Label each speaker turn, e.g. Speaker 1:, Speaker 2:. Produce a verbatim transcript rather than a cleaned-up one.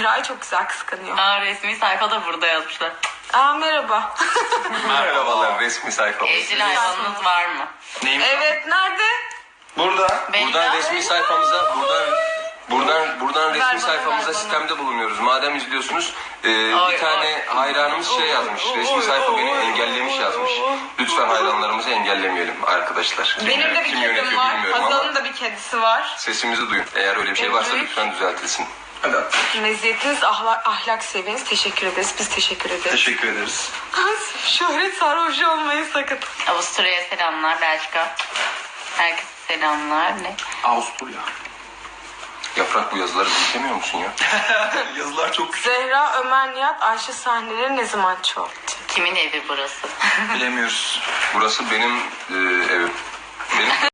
Speaker 1: Zehra'yı çok güzel kıskanıyor.
Speaker 2: Aa, resmi sayfada burada yazmışlar.
Speaker 1: Aa merhaba.
Speaker 3: Merhabalar, resmi sayfamız.
Speaker 2: Evcil hayvanınız var mı?
Speaker 3: Neyim?
Speaker 1: Evet nerede?
Speaker 3: Burada.
Speaker 2: Benim
Speaker 3: Buradan
Speaker 2: de-
Speaker 3: resmi sayfamıza, buradan buradan buradan
Speaker 1: Ver
Speaker 3: resmi
Speaker 1: bana,
Speaker 3: sayfamıza
Speaker 1: ver bana.
Speaker 3: sistemde bulunuyoruz. Madem izliyorsunuz, e,
Speaker 2: Ay,
Speaker 3: bir tane
Speaker 2: ay.
Speaker 3: hayranımız şey yazmış. Resmi sayfa beni engellemiş yazmış. Lütfen hayranlarımızı engellemeyelim arkadaşlar. Kim,
Speaker 1: Benim de bir
Speaker 3: kim
Speaker 1: kedim
Speaker 3: yönetiyor
Speaker 1: var.
Speaker 3: bilmiyorum
Speaker 1: Hazal'ın
Speaker 3: ama
Speaker 1: da bir kedisi var.
Speaker 3: sesimizi duyun. Eğer öyle bir şey varsa
Speaker 1: Evet.
Speaker 3: lütfen düzeltilsin. Hadi.
Speaker 1: Meziyetiniz, ahlak, ahlak seviyeniz. Teşekkür ederiz. Biz teşekkür ederiz.
Speaker 3: Teşekkür ederiz.
Speaker 1: Şöhret sarhoşu olmayı sakın.
Speaker 2: Avusturya'ya selamlar, Belçika. Herkese selamlar. Ne?
Speaker 3: Avusturya. Yaprak, bu yazıları büyütemiyor musun ya? Yazılar çok küçük.
Speaker 1: Zehra, Ömer, Nihat, Ayşe sahneleri ne zaman çoğalttı?
Speaker 2: Kimin evi burası?
Speaker 3: Bilemiyoruz. Burası benim e, evim. Benim